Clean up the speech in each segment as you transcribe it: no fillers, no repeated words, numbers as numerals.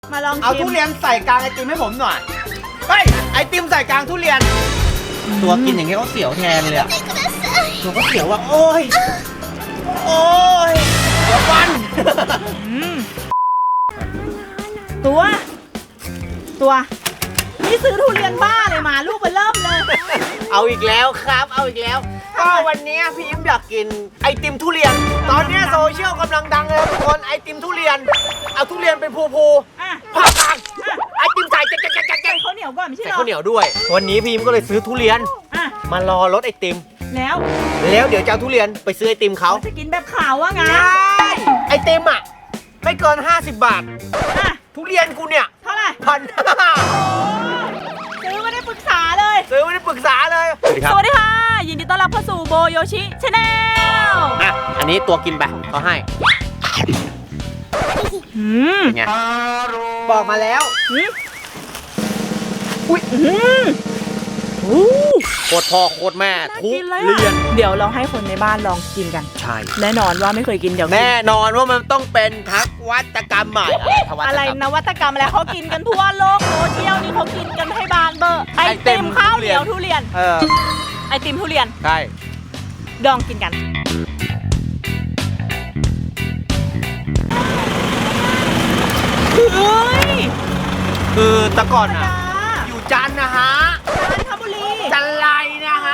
มาลองชิมเอาทุเรียนใส่กลางไอติมให้ผมหน่อยเฮ้ยไอติมใส่กลางทุเรียนตัวกินอย่างนี้เขาเสียวแทนเลยอะตัวก็เสียวว่าโอ้ยเดี๋ยวฟันตัวนี่ซื้อทุเรียนบ้าเลยมาลูกไปเริ่มเลยเอาอีกแล้วครับเอาอีกแล้วก็วันนี้พี่ยิ้มอยากกินไอติมทุเรียนตอนนี้โซเชียลกำลังดังเลยทุกคนไอติมทุเรียนเอาทุเรียนเป็นภูผ่ากลางไอติมใส่แกะใส่ข้าวเหนียวก่อนไม่ใช่ใส่หรอข้าวเหนียวด้วยวันนี้พี่ยิ้มก็เลยซื้อทุเรียนมารอรถไอติมแล้วเดี๋ยวจะเอาทุเรียนไปซื้อไอติมเขาจะกินแบบขาวว่าไงใช่ไอติมอ่ะไม่เกิน50 บาททุเรียนกูเนี่ยเท่าไหร่ 1,500 ซื้อไม่ได้ปรึกษาเลยซื้อไม่ได้ปรึกษาเลยสวัสดีค่ะยินดีต้อนรับเข้าสู่โบโยชิชาแนลอันนี้ตัวกินไปเขาให้เป็นไงบอกมาแล้วอุ้ยโคตรพ่อโคตรแม่ทุเรียนเดี๋ยวเราให้คนในบ้านลองกินกันใช่แน่นอนว่าไม่เคยกินเดี๋ยวแน่นอนว่ามันต้องเป็นทักวัตกรรมใหม่อะไรนวัตกรรมอะไรเขากินกันทั่วโลกโซเชียลนี่เขากินกันให้บานเบอร์ไอติมข้าวเหนียวทุเรียนไอติมทุเรียนใช่ลองกินกันเฮ้ยคือแต่ก่อนอ่ะอยู่จันทร์นะฮะจันทบุรีจันไรนะฮะ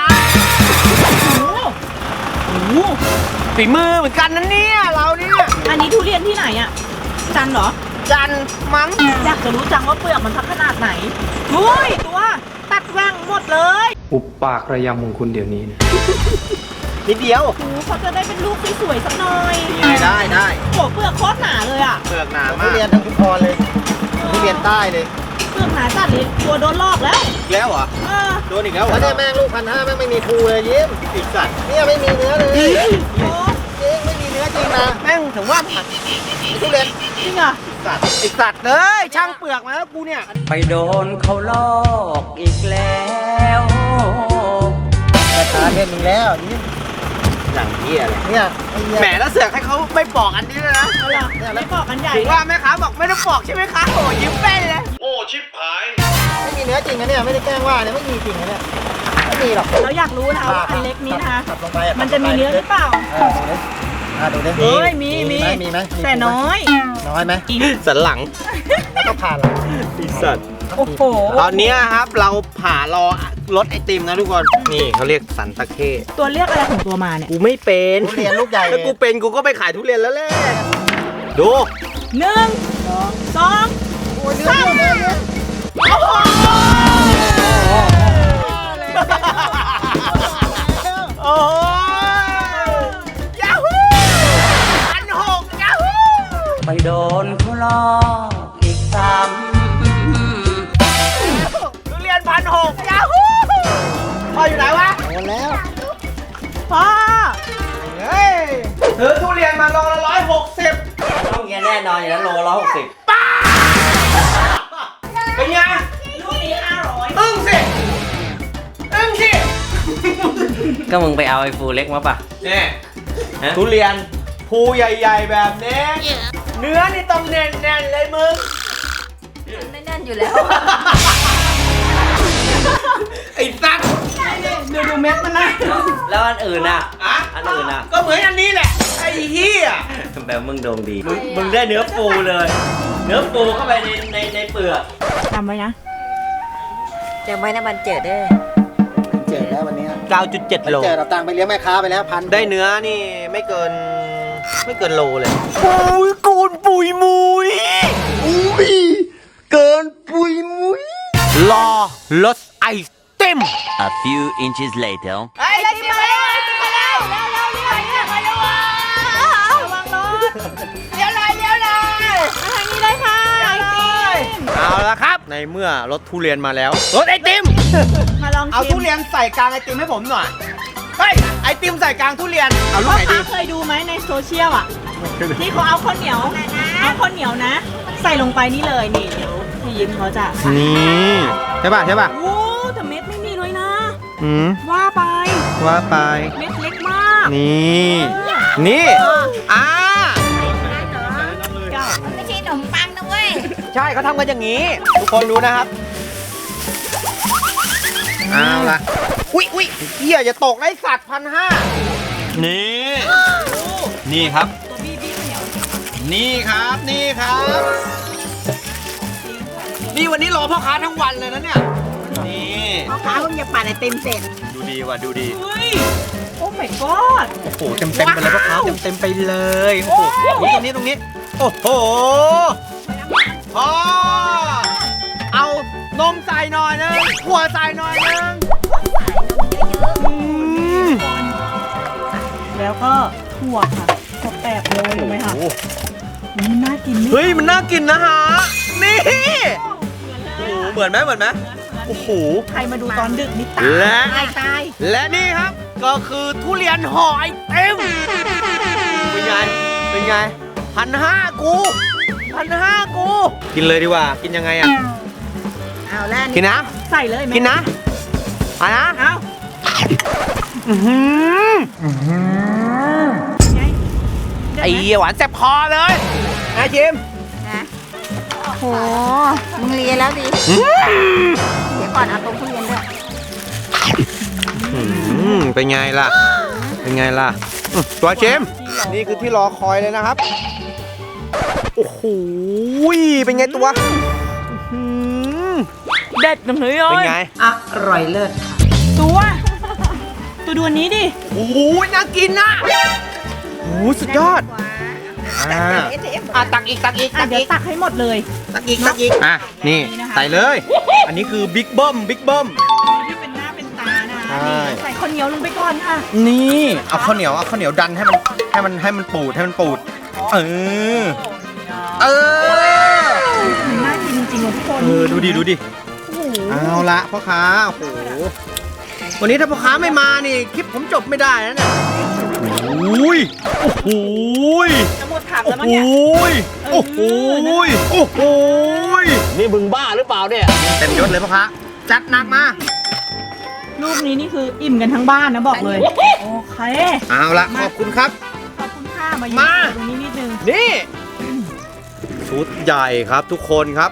โอ้โหฝีมือเหมือนกันนะเนี่ยเราเนี่ยอันนี้ทุเรียนที่ไหนอ่ะจันเหรอจันมั้งอยากจะรู้จังว่าเปลือกมันทักขนาดไหนอุ้ยตัวตัดแหว่งหมดเลยอุบปากระยำของคุณเดี๋ยวนี้นะนิดเดียวโอ้โหเขาจะได้เป็นลูกสวยๆสักหน่อยได้โอ้เปลือกโคตรหนาเลยอ่ะเปลือกหนามากทุเรียนทั้งชุมพรเลยทุเรียนใต้เลยเปลือกหนาจัดเลยตัวโดนลอกแล้วอีกแล้วเหรอ โดนอีกแล้วเหรอแล้วเนี่ยแม่งลูก1,500แม่งไม่มีภูเลยยิ้มอีกสัตว์เนี่ยไม่มีเนื้อเลยโอ้จริงไม่มีเนื้อจริงนะแม่งถึงว่าผัดทุเรียนจริงเหรอสัตว์อีกสัตว์เลยช่างเปลือกมาแล้วกูเนี่ยไปโดนเขาลอกอีกแล้วแต่ตาเล่นมึงแล้วยิ้มอย่างเหี้ยเลยเนี่ยไอ้เหี้ยแหมแล้วเสือกให้เขาไม่ปอกอันนี้เลยนะเอาล่ะไม่บอกกันใหญ่ถึงว่าแม่ค้าบอกไม่ต้องปอกใช่ไหมคะโอ้ยิ้มแป้นเลยไม่มีเนื้อจริงนะเนี่ยไม่ได้แกล้งว่าเนี่ยไม่มีจริงนะเนี่ยไม่มีหรอกเราอยากรู้นะคะว่าอันเล็กนี้นะคะขับลงไปมันจะมีเนื้อหรือเปล่าดูดิเฮ้ยมีมีไหมแต่น้อยน้อยไหมสันหลังแล้วก็ผ่านหลังอีสัตว์โอ้โหตอนนี้ครับเราผ่ารอรถไอติมนะทุกคน นี่เขาเรียกสันตะเข้ตัวเรียกอะไรของตัวมาเนี่ยกูไม่เป็นทุเรียนลูกใหญ่ถ้ากูเป็นกูก็ไปขายทุเรียนแล้วแหละดู 1 2 โอ้ยเนื้อเนื้อโอ้โหโอ้ยยาฮู1,600ยาฮูไปโดนเขาลอกอีกซ้ทุเรียน1,600ยาฮูพ่ออยู่ไหนวะโดนแล้วพ่อเฮ้ยซื้อทุเรียนมาโลละ160 ำต้องเงี้ยแน่นอนอย่างนั้นโลละ60 เป็นไงลูกนี้500 อึ้งสิก็มึงไปเอาไอ้ฟูเล็กมาป่ะเนี่ยฮะทุเรียนภูใหญ่ๆแบบนี้ เนื้อนี่ต้องแน่นๆเลยมึงไม่แน่นอยู่แล้วไอ้สัตว์ดูเม็ดมันนะแล้วอันอื่นอ่ะอะอันอื่นอ่ะก็เหมือนอันนี้แหละ ไอ้เหี้ยแบบมึงโดงดี มึงได้เนื้อฟูเลย เนื้อฟูเข้าไปในเปลือกจำไว้นะจำไว้นะมันเจิดเด้อเจ็ดแล้ววันนี้ 9.7 โลเจ็ดเราตังค์ไปเลี้ยงแม่ค้าไปแล้ว1,000 ได้เนื้อนี่ไม่เกินโลเลยปุยกูนปุยมุยเกินปุยมุยรอรถไอติม A few inches later. ไอ้ติมมาแล้วไอ้ติมมาแล้วเร็วมาเร็วระวังรถเลี้ยวเลยมาทางนี้เลยค่ะไอติมเอาละครับ ในเมื่อรถทุเรียนมาแล้วรถไอติมมาลองเอาชิทุมเรียนใส่กลางไอติมให้ผมหน่อยเฮ้ยไอติมใส่กลางทุเรียนเอาลูกพ่อไหนดีค้าเคยดูไหมในโซเชียลอ่ะที่เขาเอาข้าวเหนียวนะ ใส่ลงไปนี่เลยนี่เดี๋ยวพี่ยิ้มเขาจะนี่ใช่ป่ะโอ้แต่เม็ดไม่มีเลยนะอืมว่าไปว่าไปเม็ดเล็กมากนี่อ่าเก้าไม่ใช่ขนมปังนะเว้ยใช่เขาทำกันอย่างนี้ ทุกคนดูนะครับ เอาละอุ๊ยเฮียจะตกไอ้สัตว์1,500 นี่ นี่ครับนี่ครับ นี่วันนี้รอพ่อค้าทั้งวันเลยนะเนี่ย นี่พ่อค้าเพิ่งจะปั่นไอติมเสร็จดูดีว่ะดูดีเฮ้ย โอ้ my god โอ้โหเต็มไปเลยพ่อค้าเต็มไปเลยโอ้โหตรงนี้โอ้โหพอเอานมใส่หน่อยนึงหัวใส่หน่อยนึงแล้วก็ถั่วค่ะถั่วแปบเลยรู้ไหมคะมันน่ากินเฮ้ยมันน่ากินนะฮะนี่โอ้โหเหมือนไหมโอ้โหใครมาดูตอนดึกนี่ตายและ และนี่ครับก็คือทุเรียนห่อไอติมเป็นไง1,500กูกินเลยดีกว่ากินยังไงอ่ะเอาแล้วกินนะใส่เลยไหมกินนะอ่ะนะเอา ไงไอ้เหี้ยหวานแซ่บคอเลยนะจิมนะโหมึงเลียแล้วดิเดี๋ยวก่อนเอาตรงทุเรียนด้วยเป็นไงล่ะตัวจิมนี่คือที่รอคอยเลยนะครับโอ้โหเป็นไงตัวเด็ดหนึ่งเลยเป็นไงอร่อยเลิศค่ะตัวดูอันนี้ดิโอ้โหน่ากินนะโอ้โหสุดยอดตักอีกเดี๋ยวตักให้หมดเลยตักอีกอ่ะนี่ใส่เลย อันนี้คือบิ๊กเบิ้มที่เป็นหน้าเป็นตานะใช่นี่ใส่ข้าวเหนียวลงไปก่อนค่ะนี่เอาข้าวเหนียวดันให้มันปูดเออมันน่ากินจริงๆเลยทุกคนดูดิโอ้โหเอาละพ่อค้าโอ้โหวันนี้ถ้าพ่อค้าไม่มานี่คลิปผมจบไม่ได้นะเนี่ยโอ้โหจะหมดถังโอ้แล้วมั้งโหเนี่ยโอ้โหนี่มึงบ้าหรือเปล่าเนี่ยเต็มยศเลยพ่อค้าจัดหนักมารูปนี้นี่คืออิ่มกันทั้งบ้านนะบอกเลย โอเคเอาละขอบคุณครับขอบคุณค่ะมามาตรงนี้นิดนึงนี่ชุดใหญ่ครับทุกคนครับ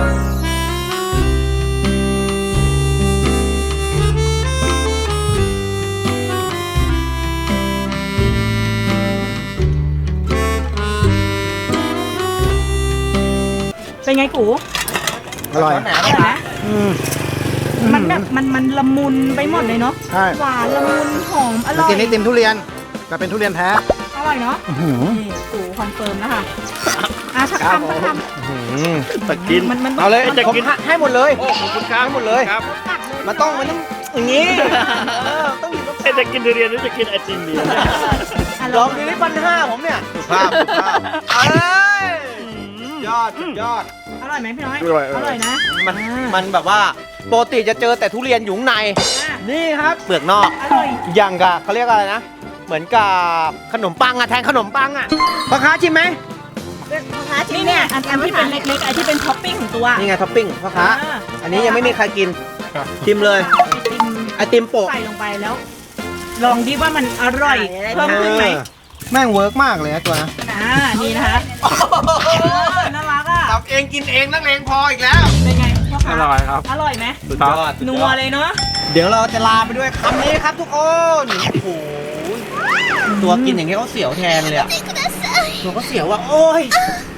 เป็นไงกูอร่อยอร่อยไหมมันแบบมันละมุนไปหมดเลยเนาะใช่หวานละมุนหอมอมาร่อยกินไอติมทุเรียนแต่เป็นทุเรียนแท้อร่อยเนาะนี่กูคอนเฟิร์มแล้วค่ะสักคำตะกินมันเอาเลยจะกินผมให้หมดเลยขอบคุณครับให้หมดเลยครับมันต้องอย่างนี้ต้องอยู่ตรงกลางจะกินทุเรียนหรือจะกินไอติมดีลองดูที่1,500ผมเนี่ยสุภาพเอ้ยยอดอร่อยไหมพี่น้อยอร่อยอร่อยนะมันแบบว่าปกติจะเจอแต่ทุเรียนอยู่ข้างใน นี่ครับเปลือกนอกอร่อยอย่างกับเขาเรียกอะไรนะ เหมือนกับขนมปังอะแทนขนมปังอะพ่อค้าชิมไหมพ่อค้าชิมนี่เนี่ยอันที่เป็นเล็กๆอันที่เป็นท็อปปิ้งของตัวนี่ไงท็อปปิ้งพ่อค้าอ่าอันนี้ยังไม่มีใครกินชิมเลยไอติมไอติมโปะใส่ลงไปแล้ว ลองดิว่ามันอร่อยเพิ่มขึ้นไหมแม่งเวิร์กมากเลยนะตัวนะนี่นะคะน่ารักอ่ะทำเองกินเองนักเลงพออีกแล้วเป็นไงพ่อค้าอร่อยครับอร่อยไหมสุดยอดนัวเลยเนาะเดี๋ยวเราจะลาไปด้วยคำนี้ครับทุกคนโอ้โหตัวกินอย่างนี้เขาเสียวแทนเลยอะตัวเขาเสียวว่าโอ้ย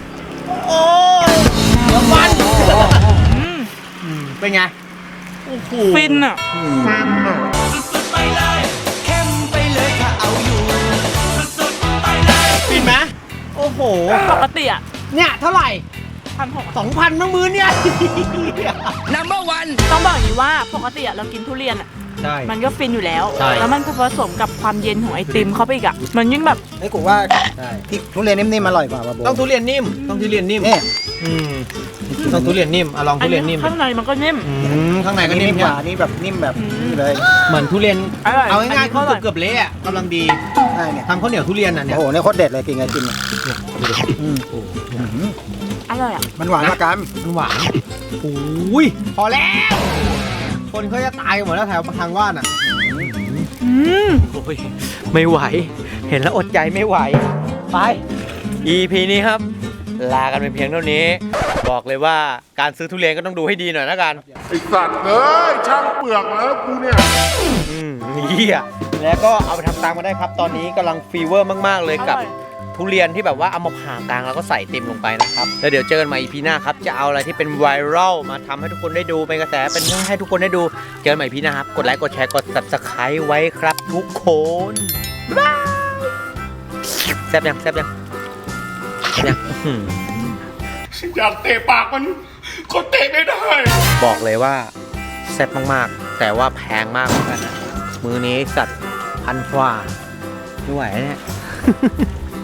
เดี๋ยวฟันเป็นไงโอ้โหฟินอ่ะฟินไหมโอ้โหปกติอ่ะเนี่ยเท่าไหร่ 1,600 2,000ทั้งมื้อเนี่ยต้องบอกอย่างนี้ว่าปกติอะเรากินทุเรียนอ่ะใช่มันก็ฟินอยู่แล้วใช่แล้วมันผสมกับความเย็นของไอติมเข้าไปอีกอ่ะมันยิ่งแบบไอ้กูว่าใช่ที่ทุเรียนนิ่มๆอร่อยกว่าป่ะโบต้องทุเรียนนิ่มต้องทุเรียนนิ่มนี่ต้องทุเรียนนิ่มลองทุเรียนนิ่มข้างในมันก็นิ่มข้างในก็นิ่นิ่มมกว่านี่แบบนิ่มแบบนี่เลยเหมือนทุเรียนอร่อยเอาง่ายๆก็คือเกือบเละอะกำลังดีใช่เนี่ยทำข้าวเหนียวทุเรียนอ่ะเนี่ยโอ้โหเนี่ยโคตรเด็ดเลยกินไอติมเนี่ยอืมอร่อยอ่ะมันหวานมากกันมันหวานโอ้ยพอแล้ว คนเขาจะตายกันหมดแล้วแถวทางว่านอ่ะ โอ้ยไม่ไหว เห็นแล้วอดใจไม่ไหว ไป EP นี้ครับลากันเป็นเพียงเท่านี้ บอกเลยว่าการซื้อทุเรียนก็ต้องดูให้ดีหน่อยนะกันไอสัตว์เอ้ยช่างเปลือกแล้วกูเนี่ยเฮียแล้วก็เอาไปทำตามมาได้ครับ ตอนนี้กำลังฟีเวอร์มากๆเลยกับทุเรียนที่แบบว่าเอามาผ่ากลางแล้วก็ใส่ติมลงไปนะครับแล้วเดี๋ยวเจอกันใหม่ EP หน้าครับจะเอาอะไรที่เป็นไวรัลมาทำให้ทุกคนได้ดูเป็นกระแสเป็นให้ทุกคนได้ดูเจอกันใหม่ EP หน้าครับกดไลค์กดแชร์กด Subscribe ไว้ครับทุกคนบ๊ายบายแซ่บยังอยากเตะปากมันก็เตะไม่ได้บอกเลยว่าแซ่บมากๆแต่ว่าแพงมากเหมือนกันนะมือนี้สัตว์1,000 กว่าไม่ไหวเนี่ย